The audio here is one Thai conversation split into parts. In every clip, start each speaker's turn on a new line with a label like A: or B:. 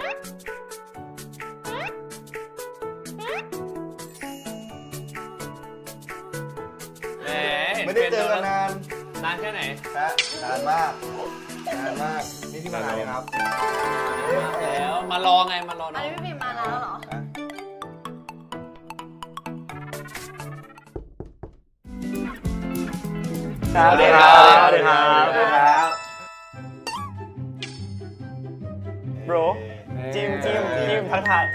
A: ไม่ได้เจอกัน
B: นานแค่ไหน
A: นานมากนี่ที่มานานเลยครับ
B: แล้วมารอไงมารอ
C: อันนี้พี่พิมมาแล้วเหรอ
B: สวัสดีครับ
A: สวัสดีครับ
D: โบรจิ้มทักทาย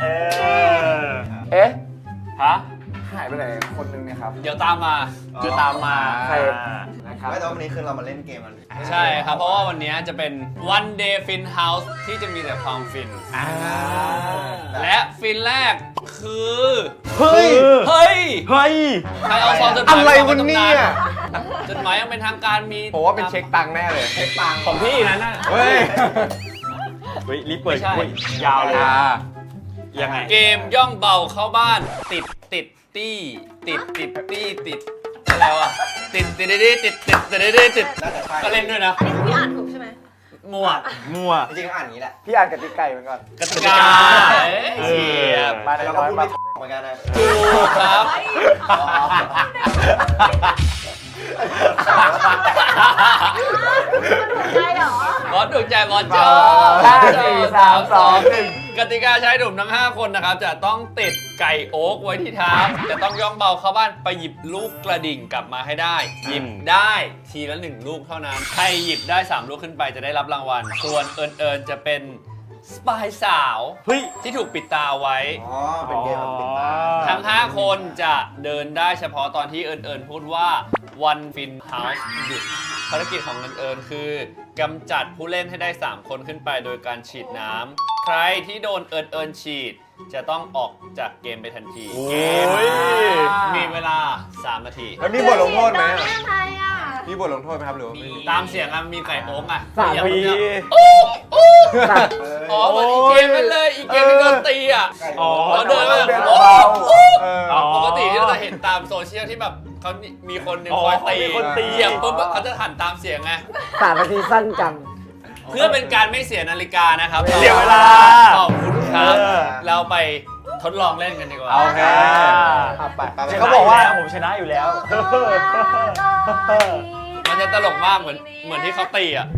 B: ฮะ
A: หายไปไหนคนนึงเนี่ยครับ
B: เดี๋ยวตามมา
D: ใคร
A: นะครับแต่วันนี้คือเรามาเล่นเกมกัน
B: ใช่ครับเพราะว่าวันนี้จะเป็น One Day Fin House ที่จะมีแต่ความฟินและฟินแรกคือ
D: เฮ้ย
B: ใครเอาซองจดหมาย
A: อะไรวันนี้
B: จดหมายยังเป็นทางการมี
A: ผมว่าเป็นเช็คตังค์แน่เลยเช็คตังค์
D: ของพี่นั้นน่ะ
A: เฮ้ย
D: รีบเปิดยาวเลยยังไง
B: เกมย่องเบาเข้าบ้านติดอะไรวะติดก็เล่นด้วยนะ
C: อันนี้คือพี่อ่านถูกใช่ไหม
B: มั่ว
A: จริงๆอ่านอย่างนี้แหละ
D: พี่อ่านกติกาเหมือนกัน
B: กติกาเฉียบ
D: มาแล้วก็พูดไม่
A: เหมือนกันนะ
B: ถูกครับ
C: ใช่เหรอบ
B: อสถูกใจบอสจอ
D: 5 4 3 2 1
B: กติกาใช้หนุ่มทั้ง5คนนะครับจะต้องติดไก่โอ๊กไว้ที่เท้าจะต้องย่องเบาเข้าบ้านไปหยิบลูกกระดิ่งกลับมาให้ได้หยิบได้ทีละ1ลูกเท่านั้นใครหยิบได้3ลูกขึ้นไปจะได้รับรางวัลส่วนเอิญจะเป็นสปายสาวที่ถูกปิดตาไว้
A: เป็นเกมแบบปิดตา
B: ทั้ง5คนจะเดินได้เฉพาะตอนที่เอิญพูดว่า One Fin House หยุดภารกิจของเอิญคือกำจัดผู้เล่นให้ได้3คนขึ้นไปโดยการฉีดน้ำใครที่โดนเอิญฉีดจะต้องออกจากเกมไปทันทีเกมมีเวลา3 นาที
A: แล้วมีบทลงโทษไหม
C: ใช่อ่ะ
A: มีบทลงโทษไหมครับหรือ
B: มีตามเสียงมีไก่โอ๊ก
D: 3 ปี
B: อ๋อเหมือนอีเกมนั่นเลยอีเกมที่โดนตีเราเดินมาปกติที่เราจะเห็นตามโซเชียลที่แบบเขามีคนหนึ่งคอยตีเหยียบปุ๊บเขาจะหันตามเสียงไง
D: 3 นาทีสั้นจัง
B: เพื่อเป็นการไม่เสียนาฬิกานะครับ
D: เสียเวลา
B: ขอบคุณครับเราไปทดลองเล่นกันดีกว่า
A: โอเค
D: เขาบอกว่าผมชนะอยู่แล้ว
B: มันจะตลกมากเหมือนที่เขาตีอ่ะ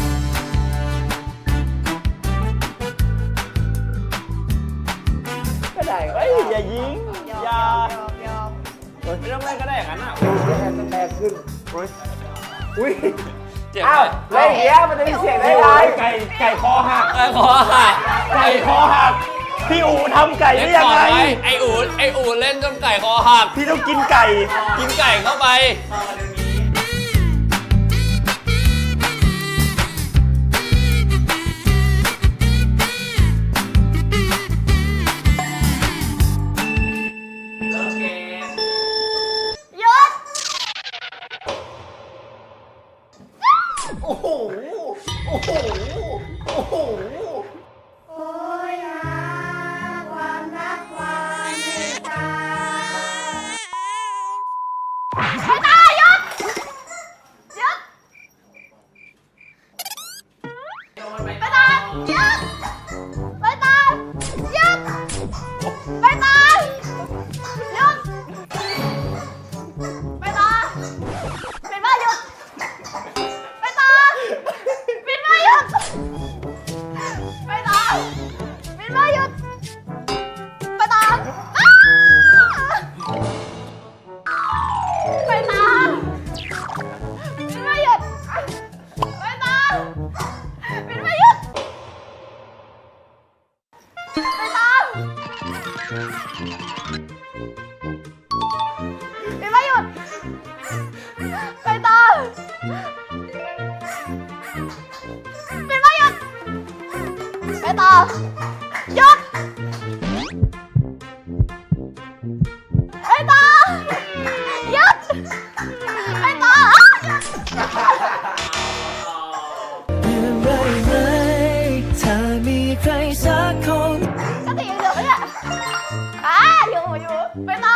D: ก็ได้อย่ายิงอย่า
B: ไม่ต้องเล่นก็ได้อย่างนั้นอ่ะ
D: แรงขึ้นอุ้ย
B: เจ็บ
D: อะไรอย่างเงี้ยมันจะมีเสียงได้ไงไก่คอหักไก่คอหักพี่อู๋ทำไก่ได้ยังไง
B: ไออู๋เล่นจนไก่คอหัก
D: พี่ต้องกินไก่
B: เข้าไป
A: โอ้โห
C: โอ้ยความรักความเมตตาไปตาหยุดไปตาหยุดไปตาหยุดไปตาหยุดไปตาเป็นบ้าหยุดไปตาปิดไม้หยุดไปตาปิดไม้หยุดไปตาไปตาปิดไม้หยุดไปตาปิดไม้หยุดไปตาปิดไม้หยุดไปตาปิดไม้หยุดไปต่อหยุดไปต่อหยุดไปต่อถ้ามีใครสักคนก็ตียังเหลือไหมเนี่ยอยู่ไปต่อ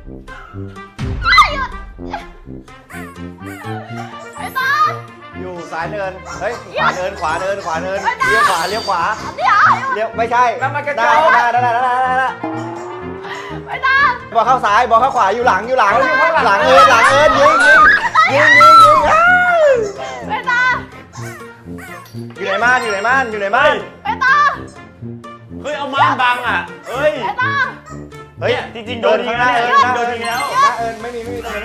C: หยุดไปต่อ
A: ซ้ายเนิน เฮ้ย ขวาเนิน ขวาเนิน ขวาเนิน เลี้ยวขวา เลี้ยวขวา
C: เดี๋ยว
A: เลี้ยว ไม่ใช่
D: น้ำมันกระ
A: ได้
D: จก
A: ได้ได้ได้ได้
C: ไปตาม
A: บอลเข้าซ้าย บอลเข้าขวา อยู่หลัง อยู่หลัง หลังเอินหลังเอินยิงอ้าว
C: ไปตาม
A: อยู่ไหนม่านอยู่ไหนม่านอยู่ไหนม่าน
C: ไปตาม
D: เฮ้ยเอาม่านบังอ่ะเฮ้ย
C: ไปตาม
A: เฮ้ย
D: จริงๆโดนยิงแล้ว
A: เอิ
D: เนี่ย
A: น
D: โดนยิงแล้ว
A: หน้าเอินไม่มีตรงนั้น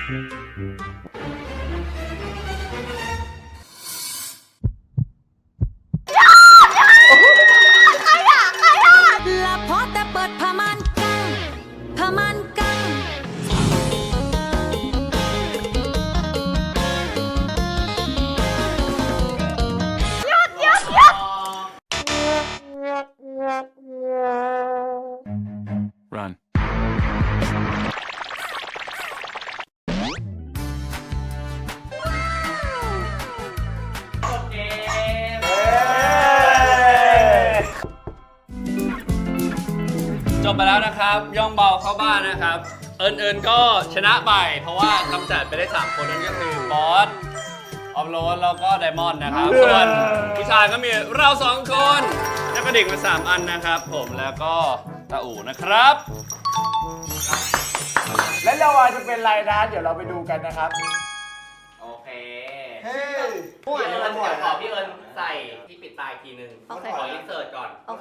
C: ใครอ่ะ
E: ละพอแต่เปิดผ้าม่านกั้งผ้าม่านกั้ง
C: หยุดหยุดหยุด
F: Run.
B: จบไปแล้วนะครับ ย่องเบาเข้าบ้านนะครับ เอิญก็ชนะไป เพราะว่ากำจัดไปได้ 3 คนนั่นก็คือบอส ออฟโรดแล้วก็ไดมอนด์นะครับ ส่วนผู้ชายก็มีเรา 2 คนแล้วก็เด็กมา 3 อันนะครับ ผมแล้วก็ตาอู่นะครับ
D: และเราจะเป็นไรนะเดี๋ยวเราไปดูกันนะครับ
B: โอเค
A: เฮ้ย
B: เดี๋ยวขอพี่เอิญใส่ที่ปิดตาอีกทีนึง
C: โอเค
B: ขออินเสิร์ตก่อน
C: โอเค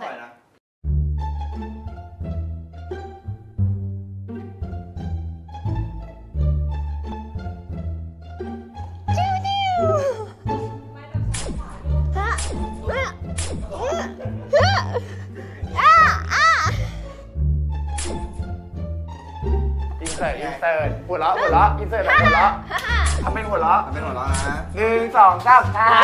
D: อินเสิร์ตหัวเราะอินเสิร์ตแบบหัวเราะทำเป็นหัวเราะ
A: เป็นหัวเราะนะ
D: 1 2 3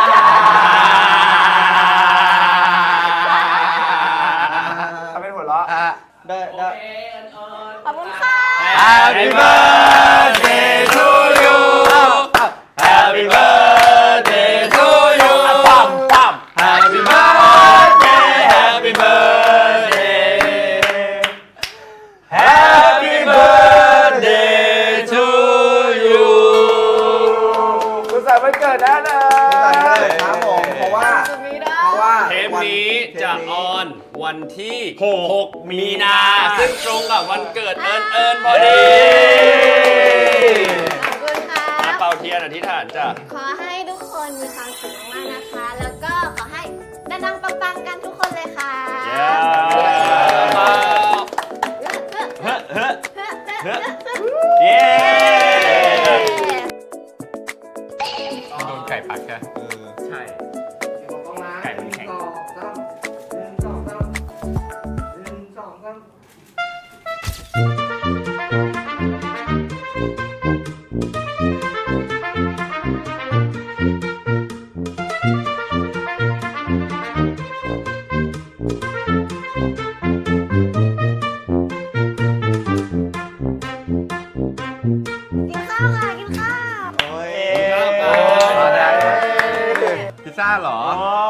D: ทำเป็นหัวเราะ
A: ได้ได้
C: ขอบคุณค่ะ
B: Happy birthday to you Happy birthday to you
D: ปั๊ม
B: Happy birthday Happy birthday Happy birthday to you
D: สุขสันต์วันเกิดนะเน
A: ครับผมเพราะว่า
C: จุดนี้ได้
A: เพราะว่า
B: เทปนี้จะออนวันที่
D: 6
B: 6 มีนา ซึ่งตรงกับวันเกิดเอิญพอดี
C: ขอบคุณค่ะ
B: มาเป่าเทียนอธิษฐานจ้ะ
C: ขอให้ทุกคนมีความสุขมากๆนะคะ แล้วก็ขอให้ดังๆปังๆกันทุกคนเลยค่ะ
D: เย้
B: โดนไก่ปักจ้ะ
D: ใช่ ไก่มันแข็ง
C: กินข้าวค่ะ กินข้าว
A: โอ้ย
F: พิซซ่าเหรอ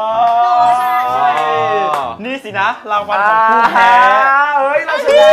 D: นี่สินะรางวัลของผู้แพ้ เฮ้ย เราชนะ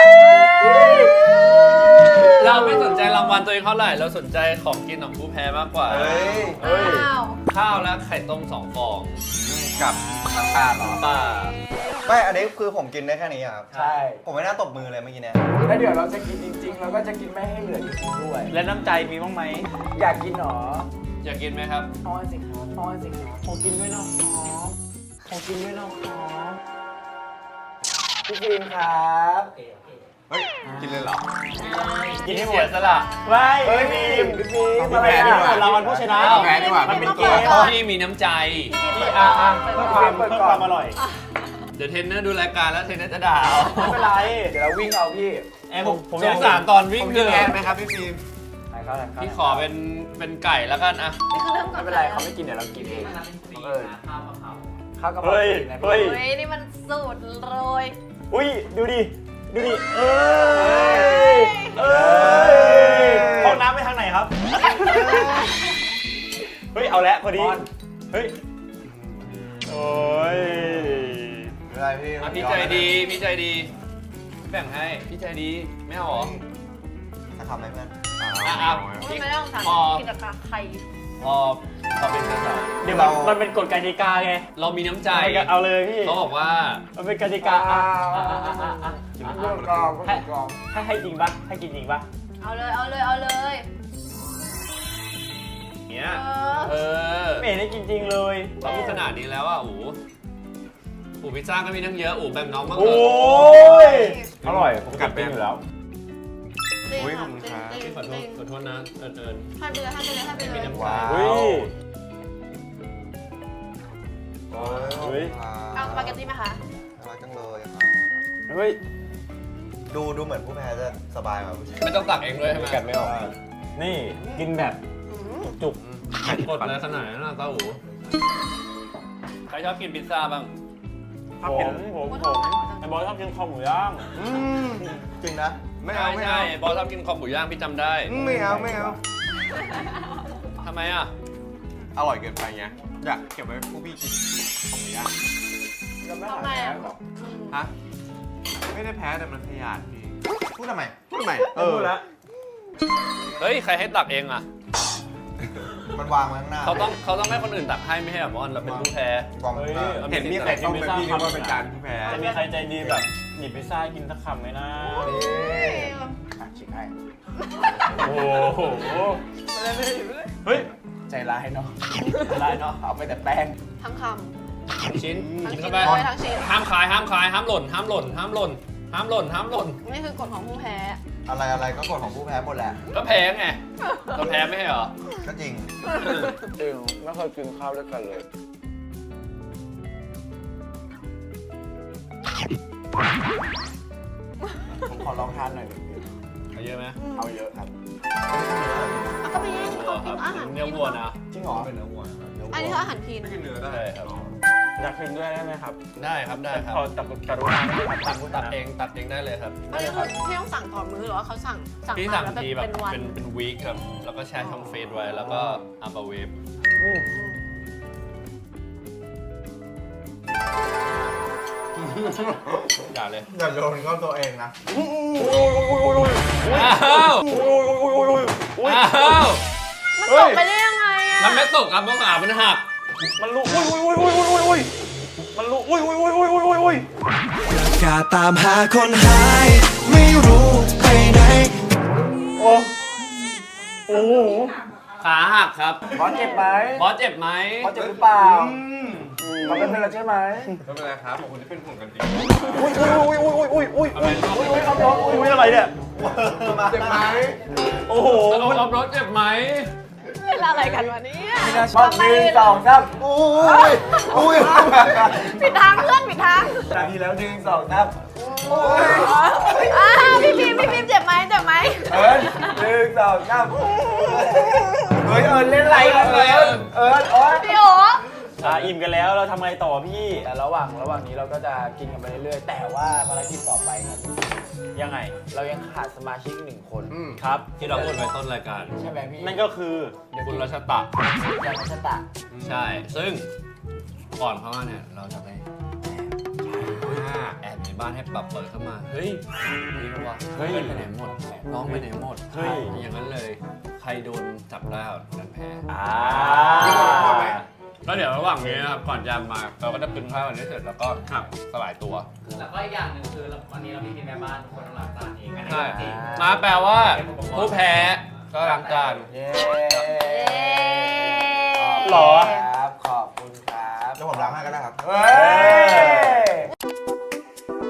B: เราไม่สนใจรางวัลตัวเองเท่าไหร่ เราสนใจของกินของผู้แพ้มากกว่า
A: เฮ้ย
C: อ้าว
B: ข้าวและไข่ต้ม2 ฟอง
F: กับน้ำตาลเหรอ
B: ป้า
A: ไม่อันนี้คือผมกินได้แค่นี้ครับ
D: ใช่
A: ผมไม่น่าตบมือเลยเมื่อกี้เนี่ย
D: แล้วเดี๋ยวเราจะกินจริงๆ เราก็จะกินไม่ให้เหลือจริงๆด้วย และน้ำใจมีบ้างไหม อยากกินหรอ
B: อยากกินไหมครับ
D: อ้อนสิครับอ้อนสิครับขอกินด้วยนะครับขอกินด้วยนะครับพี่ฟิล์มครับ
F: เฮ้ย กินเลยเหรอ
B: กินให้หมดสละ
D: ไม่พี่ฟิล์มพี่ฟิล์ม
F: พี่แพ้ดีกว่า
D: เราวันผู้ชนะ
F: แพ้ดีกว่า
D: มันเป็นเกม
B: พี่มีน้ำใจ
C: พี่
D: เพื่อความอร่อย
B: เดี๋ยวเทรนเนอร์ดูรายการแล้วเทรนเนอร์จะด่าเอา
D: ไม่เป็นไร เดี๋ยวเราวิ่งเอาพี่ผม
B: สงสารตอนวิ่ง
F: ผม
B: เถ
F: กินแทน
B: อะ
F: ไหมครับพี่ฟิล์ม
B: พี่ขอเป็นไก่แล้วกันอะ
C: นี่คือเริ่มก่อ
D: ไม่
C: น
D: เป็นไรเขาไม่กินเดี๋ยวเรากินเองข้าวกะเพรา
F: เฮ้ย
D: นะ
F: เฮ้ย
C: เฮ้ยนี่มันสูตรโรย
D: อุ้ยดูดิเอ้ยห้องน้ำไปทางไหนครับ เฮ้ยเอาแล้วพอดีเฮ้ยโอ้ย
A: ไม่ได้พี่
B: พี่ใจดีพี่ใจดีแบ่งให้พี่ใจดีไม่เอาหรอ
A: ถ้าทำอะไรเพื่อน
B: อ่ะ
C: ไม่
B: พี่
C: ต้องสั่ง
B: พอ
C: กินกับไข่
B: พอเขาเป็นกระต่าย
D: เดี๋ยวมันเป็นกฎกติกาไง
B: เรามีน้ำใจ
D: เอาเลยพี่
B: เขาบอกว่า
D: มันเป็นกติกาให้จริงปะให้กินจริงปะ
C: เอาเลยเอาเลยเอาเลย
B: เนี้ย
C: เออ
B: เออ
D: ไม่เห็นได้กินจริงเลย
B: เราพูดขนาดนี้แล้วอ่ะอู๋พิซซ่าก็มีทั้งเยอะอู๋แบ่งน้องบ้างเถ
D: โอ้
B: อะ
D: ยอร่อยผมกัดเป็นอยู่แล้ว
C: จริง
F: อุ๊ย
C: ค่ะ
F: ขอบคุณครับ
C: จริง
B: ขอโท
C: จ
B: ษ
C: ริง
B: ขอโทษนะเอิญ
C: ให้ไปเลยให้ไปเลยให้ไปเลย
B: มีน้ำ
A: ว้าว
D: เฮ้ย
A: โอ้
D: เฮ้ย
C: เอาสปาเกตตี้ไหมคะ
A: น่ารักจังเลยครับ
D: เฮ้ย
A: ดูเหมือนผู้แพ้จะสบายกว่าผู้ชาย
B: ไม่ต้องตักเองด้วยใช่ไหม
D: กัดไม่ออกนี่กินแบบ
C: อืม
D: จุก
B: กดเลยขนาดนั้นนะเต้าอู๋ใครชอบกินพิซซ่าบ้าง
D: ผมไอ้บอยชอบกินคอหมูย่าง
A: จริงนะ
F: ไม่เอาไม่
B: ใช่
F: เอา
B: ใช่บอสชอบกินคอหมูย่างพี่จำได้
F: ไม่เอาไม่เอา
B: ทำไมอ่ะ
F: อร่อยเกินไปไงอยากเก็บไว้ผู้พี่กินของหมูย่าง
C: ทำไมอ่ะ
F: ฮะไม่ได้แพ้แต่มันขยาดพี่
A: พูดทำไม
F: พูดทำไม
D: พูดแล้ว
B: เฮ้ยใครให้ตักเองอ่ะ
A: มันวางมาข้างหน้า
B: เขาต้องให้คนอื่นตักให้ไม่ให้แบบบอสเราเป็นผู้แพ้
A: วางมาข้างหน้า
B: เฮ้ย
F: เห็นมีใครต้องเป็นพี่นึกว่าเป็นการผู้แพ้
D: จะมีใครใจดีแบบหยิบพิซซ่ากินสักคำไหมนะ
A: ชิคให้
D: โอ้โหเฮ้ยใจร้ายเนาะใจร้ายเนาะเอาไปแต่แป้ง
C: ทั้งค
B: ชิ้น
C: ำทั้ง
B: กิน
C: ชิ้
B: เข้าน ไป
C: เลยทั้งชิ้น
B: ห้ามขายห้ามขายห้ามหล่นห้ามหล่นห้ามหล่นห้ามหล่นห้ามหล่น
C: นี่คือกฎของผู้แพ้
A: อะไรก็กฎของผู้แพ้หมดแหละ
B: ก็แพ้ไงก็แพ้ไม่ใช่เหรอ
A: ก็จริง
D: จริงไม่เคยกินข้าวด้วยกันเลย
A: ผมขอลองทานหน่อย
B: เอาเยอะไหม
A: เอาเยอะครับ
C: ก็มีเขากินอาหาร
B: เนื้อวัวนะ
A: จริงเหรอเป็นเนื้อวัว
C: อันนี้คืออาหารพีน
F: ไม่กินเนื้อได้
B: ใช่ครับ
D: อยากกินด้วยได้ไหมครับ
B: ได้ครับได้ครับ
D: ขอตักกรุณาด้วยครับ
B: ตัดเองตัดเองได้เลยครับ
C: อันนี้คือพี่ต้องสั่งต่อมื้อหรือว่าเขาสั่ง
B: พี่
C: มา
B: สั่ง
C: แล้ว
B: ทีแบบ
C: เป็นวัน
B: เป็นวีคครับแล้วก็แช่ช่องเฟรซไว้แล้วก็อัพเวฟอย่าเลย
A: อย่าโยนเข้าตัวเองนะ
B: อ้าวอ้าว
C: มันตกไปได้ยังไงอ่ะ
B: มันไม่ตกครับเพราะขามันหัก
D: มันรู้อุ้ยมันรู้อุ้ย
G: กาตามหาคนหาย ไม่รู้ไปไหน
D: โอ้โอ้โห
B: ขาหักครับ
D: บอสเจ็บไหม
B: บอสเจ็บไหม
D: บอสเจ็บหรือเปล่าเขาเป็นเพื่อนเราใช่ไหม
F: ไม่เป็นไรครับขอบคุณที่เป็นห่วงกันดี
D: อุ้ย
B: ทำไมชอบ
D: อุ้ยอะไรเนี่ย
F: เจ็บไหม
D: โอ้โห
B: เอารถเจ็บไหม
C: เวลาอะไรกันวะเนี่ย
D: ชอบ1 2 3
A: อุ้ย
C: ผิดทางเพื่อนผิดทาง
D: นาทีแล้ว1 2 3
C: พี่พิมเจ็บไหมเจ็บไหม
D: เอิญ1 2 3เฮ้ยเอิญเล่นอะไรกันเอิญโอ๊ย
C: พี่โอ๋
D: อิ่มกันแล้วเราทำไงต่อพี่ระหว่างนี้เราก็จะกินกันไปเรื่อยๆแต่ว่าภารกิจต่อไปครับยังไงเรายังขาดสมาชิก1 คนครับ
B: ที่เราพูดไว้ต้นรายการ
D: ใช่ไหมพี่นั่นก็คือ
B: คุณรัชตะ
D: ยามัชตะ
B: ใช่ ซึ่งก่อนเข้ามาเนี่ย เราจะไปแอบในบ้านให้ปรับเปิดเข้ามา เฮ้ยนี่วะเฮ้ยไปไหนหมด น้องไปไหนหมด
D: เฮ้ย
B: อย่างนั้นเลย ใครโดนจับได้คนนั้นแพ้ ก็เดี๋ยวระหว่างนี้นะครับ ก่อนจะมาเราก็จะปึงข้าวกันให้เสร็จแล้วก็สลายตัว
H: แล้วก็อีกอย่างหนึ่งคือวันนี้เรามีทีมแม่บ้านทุกคนต้องล้างจานเองอันนี้
B: ใช่
H: จริง
B: มาแปลว่าผู้แพ้ก็ล้างจาน
D: เย้
C: หรอ
D: ครับขอบคุณครับ
A: เดี๋ยวผมล้างให้ก็ได้ครับ
D: เฮ้ย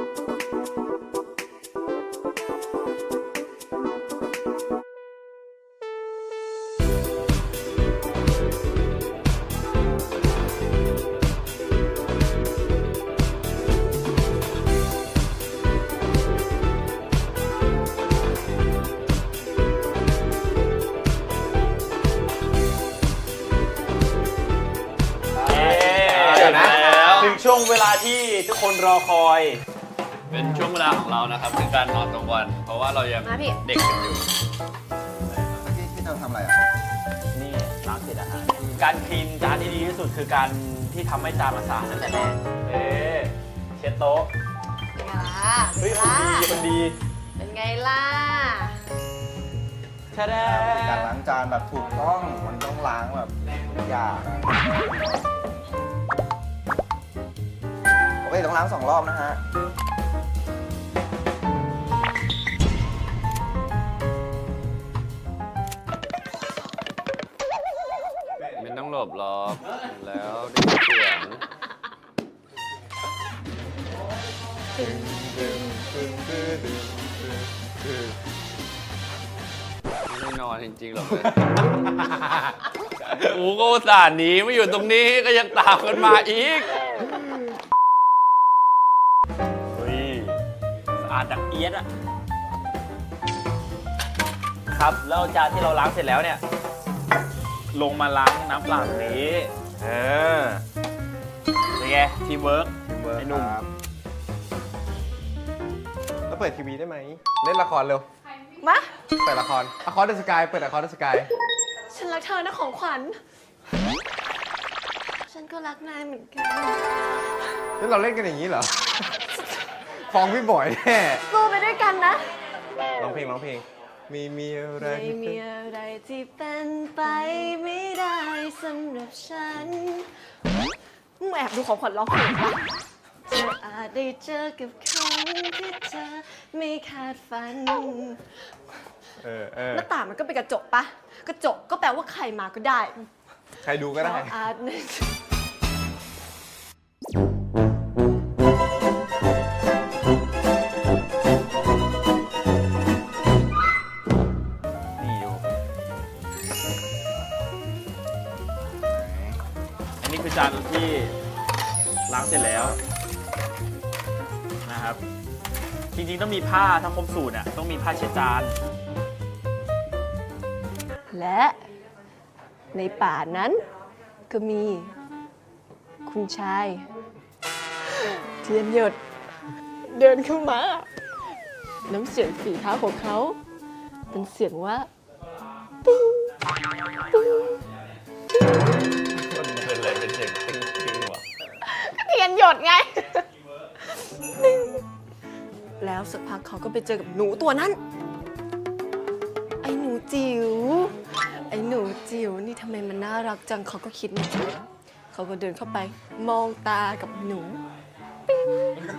B: เดี๋ยวนะ
D: ถึงช่วงเวลาที่ทุกคนรอคอย
B: เป็นช่วงเวลาของเรานะครับคือการนอนกลางวัน เพราะว่าเรายัง
C: มาพี่
B: เด็กกันอยู่
A: พี่เธอทำอะไรอ่ะ
D: นี่ล้างเสร็จอาหารการคลีนจานที่ดีที่สุดคือการที่ทำให้จานมันสะอาดตั้งแต่แรกเช็ดโต๊ะ
C: เป็นไงล่ะ
D: เฮ้ยคนดี
C: เป็นไงล่ะ
D: แช่แด
A: การล้างจานแบบถูกต้อง มันต้องล้างแบบอย่าโอเคต้องล้าง2 รอบนะฮะ
B: ไม่ต้องหลบหรอกแล้วได้ยินเสียงไม่นอนจริงๆหรอกเลยกูก็อุตส่าห์หนีมาอยู่ตรงนี้ก็ยังตามกันมาอีก
D: เฮ้ยสะอาดดังเอียดอะครับแล้วจานที่เราล้างเสร็จแล้วเนี่ย ลงมาล้างน้ำเปล่าตรงนี้เป็นไงทีมเวิร์กไอ้หนุ่ม
F: แล้วเปิดทีวีได้ไหม เล่นละครเร็ว
C: มา
F: เปิดละครอคอร์ดสกาย เปิดอคอร์ดสกาย
C: ฉันรักเธอนะของขวัญ ฉันก็รักนายเหมือนกัน
F: แล้วเราเล่นกันอย่างนี้เหรอ ฟ้องพี่บอยแน่
C: สู้ไปด้วยกันนะ
F: ร้องเพลงร้องเพลง มีอะไร
C: ไม่มีอะไรที่เป็นไปไม่ได้สำหรับฉันมึงแอบดูของขวัญร้องเพลงปะเธออาจได้เจอกับคนที่เธอไม่คาดฝัน หน้าต่างมันก็เป็นกระจกปะกระจกก็แปลว่าใครมาก็ได้
F: ใครดูก็ได้
C: เราอาจ
D: นี่ดูอันนี้คือจานที่ล้างเสร็จแล้วนะครับ จริงๆต้องมีผ้าถ้าครบสูตรอ่ะต้องมีผ้าเช็ดจาน
C: และในป่านั้นก็มีคุณชายเทียนหยดเดินเข้ามา น้ำเสียงฝีเท้าของเขาเป็นเสียงว่าตึ้งตึ้ง
B: มันเป็นอะไรเป็นเสียงติ้งๆวะ
C: เทียนหยดไง แล้วสักพักเขาก็ไปเจอกับหนูตัวนั้น ไอ้หนูจิ๋ว ไอ้หนูจิ๋วนี่ทำไมมันน่ารักจังเขาก็คิดในใจเขาก็เดินเข้าไปมองตากับหนูปิ๊ง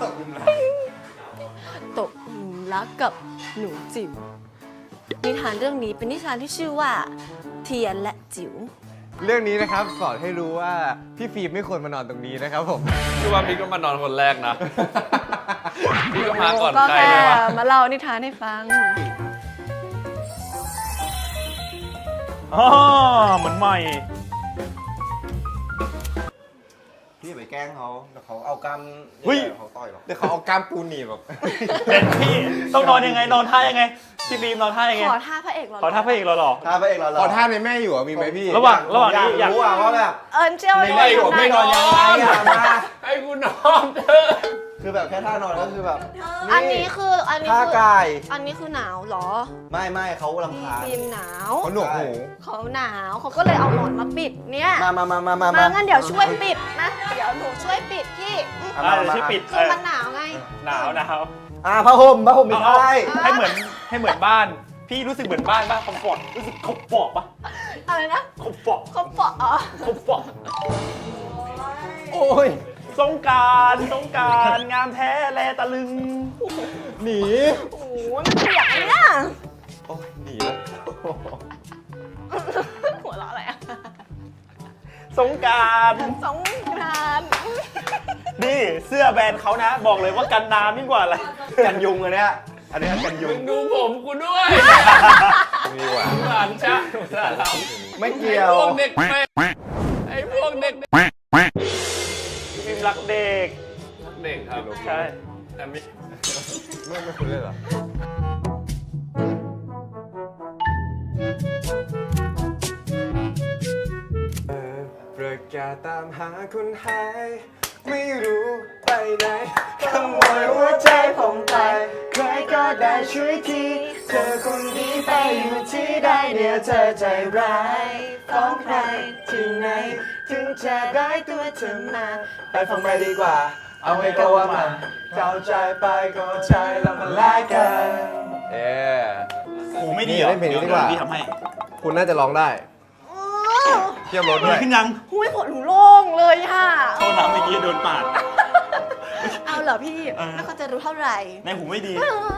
C: ตกหลุมรักกับหนูจิ๋วนิทานเรื่องนี้เป็นนิทานที่ชื่อว่า เทียนและจิ๋ว
F: เรื่องนี้นะครับสอนให้รู้ว่าพี่ฟิล์มไม่ควรมานอนตรงนี้นะครับผม
B: พี่ว่าพี่ก็มานอนคนแรกนะ พี่ก็มาก่อน
C: ก็
B: ใคร
C: แค่
B: เลยวะ
C: มาเล่านิทานให้ฟัง
D: อ๋อเหมือนใหม่
A: พี่อย่าไปแกล้งเขาเดี๋ยวเขาเอากำ
D: เฮ้ย
A: เขาต่อยหรอก
F: เดี๋ยวเขาเอากล้ามปูหนีบแบบ
D: เด็ดพี่ต้องนอนยังไงนอนท่ายังไงพี่บีมนอนท่ายังไง
C: ขอท่าพระเอกเหรอ
D: ขอท่าพระเอกเราหรอ
A: ถ้าพระเอกเรา
F: ขอท่าในแม่อยู่อ่ะมีไหมพี่
D: ระหว่างนี้
A: อยากรู้อ่ะว่าแบบ
C: เอิญเจียว
A: ในแม่อยู่
C: ได้
A: ไม่นอนยังไงอ่ะมา
B: ให้กูนอนเถอะ
A: คือแบบแค่ท่านอนก็คือแบบ
C: อันนี้คืออันนี้
A: ท่า
C: คื
A: กาย
C: อันนี้คือหนาวเหรอ
A: ไม่เขารำ
C: พี่
A: คาญ
C: ฟิล์มหนาว
F: เขาหนวกหู
C: เขาหนาวเขาก็เลยเอาหมอนมาปิดเนี่ย
A: มา
C: งั้นเดี๋ยวช่วยปิดนะเดี๋ยวหนูช่วยปิดพี่
D: เดี๋ยวที่ปิด
C: คือมันหนาวไง
D: หนาว
A: ผ้าห่มไม่ใช่
D: ให้เหมือนบ้าน พี่รู้สึกเหมือนบ้านป่ะคอมฟอร์ตรู้สึกคอมฟอร์ตป่ะ
C: อะไรนะ
D: คอมฟอร์ต
C: เขาเปาะอ๋อ
D: คอมฟอร์ต
F: โอ้ย
D: สงกราร งามแท้แลตะลึง
F: หนี
C: โอ้โหมันเปียกเลยเนี่ย
F: โอ้ยหนีแล้ว
C: หัวเราะอะไรอะ
D: สงกราร
C: สงกรานต์
D: นี่เสื้อแบรนด์เขานะ บอกเลยว่ากันน้ำยิ่งกว่าอะไร
F: กันยุงอันเนี้ยอันนี้กันยุ
B: มึ
F: ง
B: งดูผมกูด้วย
F: ดีกว่า
B: หลานชะหลานเรา
F: ไม่เกี่ยว
B: พวกเด็กแม่ไอ้พวกเด็ก
D: ฟิล์มรักเด็ก
B: เด็กครับ
D: ใช่
B: แต่ไม่
F: ไม่คุณเล่นเหรอ ประกาศตามหาคนหาย ไม่รู้ไปไหนขโมยหัวใจผมไป ใครก็ได้ช่วยที เธอคนนี้ไปอยู่ที่ใดเนี่ยเธอใจร้ายฟ้องใครที่ไหน ถึงจะได้ตัวเธอมา ไปฟังไปดีกว่า เอาให้ก็ว่ามาเข้าใจไปก็ใจแล้วมาแลกกัน
D: หูไม่ดีเหรอ
F: เล่นเพลงนี้ดีกว่า
D: พี่ทำให้
F: คุณน่าจะร้องได้
C: โอ้
A: เทียบรถด้วย
F: ขึ้นยัง
C: หุ้ยหัวหนูโล่งเลยค่ะ
F: โทษนะเมื่อกี้โดนปาด
C: เอาเหรอพี่แล้วเขาจะรู้เท่าไหร่
F: ในหูไม่ดี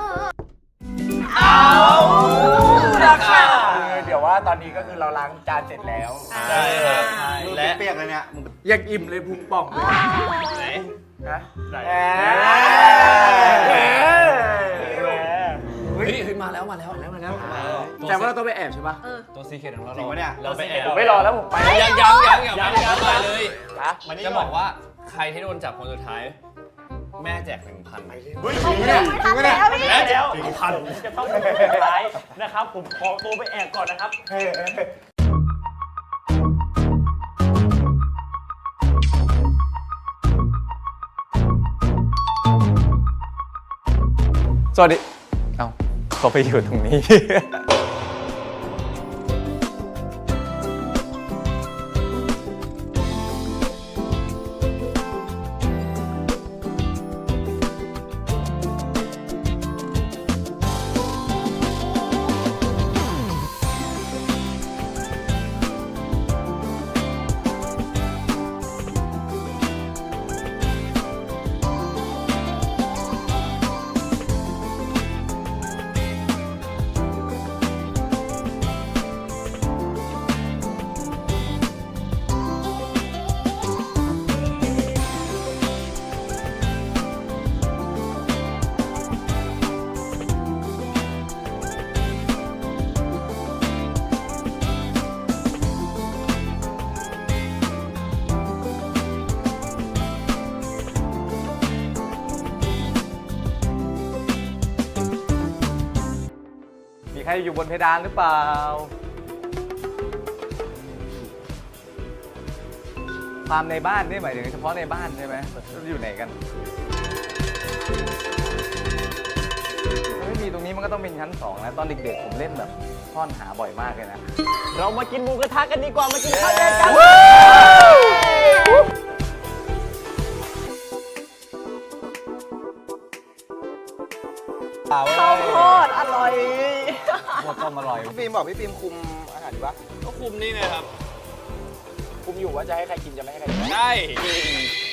D: ราคาเดี๋ยวว่าตอนนี้ก็คือเราล้างจานเสร็จแล้ว
B: ใช่ครับ
A: และ
B: และ
A: เปียกเลยเนี่ย
D: อยากอิ่มเลยพุงป่องเลย
B: ไหน
D: ฮะ
B: ไหน เฮ้ยมาแล้ว
D: แต่ว่าเราต้องไปแอบใช่ปะ
B: ตัวซีเคทของเรา
A: จริงปะเนี่ย
B: เราไปแอบ
D: ผมไม่รอแล้วผมไป
B: ยังไปเลย จะบอกว่าใครที่โดนจับคนสุดท้าย แม่แจก 1,000
F: เฮ้ย
C: ไม่ทันแล้วพี่
B: แม่แจก
F: จะต้องเป็นสุดท้ายนะครับ ผมขอตัวไปแอบก่อนนะครับ
D: สวัสดี เอ้าเขาไปอยู่ตรงนี้ มีใครอยู่บนเพดานหรือเปล่า ความในบ้านนี่หมายถึงเฉพาะในบ้านใช่ไหมอยู่ไหนกันไม่มีตรงนี้มันก็ต้องเป็นชั้น2นะตอนเด็กๆผมเล่นแบบซ่อนหาบ่อยมากเลยนะ เรามากินหมูกระทะกันดีกว่ามากินข้าวแกงกัน
C: ข้าวโพดอร่อย
D: หมดต้มอร่อย
A: พี่ฟิล์มบอกพี่ฟิล์มคุมอาหารดีปะ
B: ก็คุมนี่ไงครับ
D: คุมอยู่ว่าจะให้ใครกินจะไม่ให้ใครกิน
B: ใช่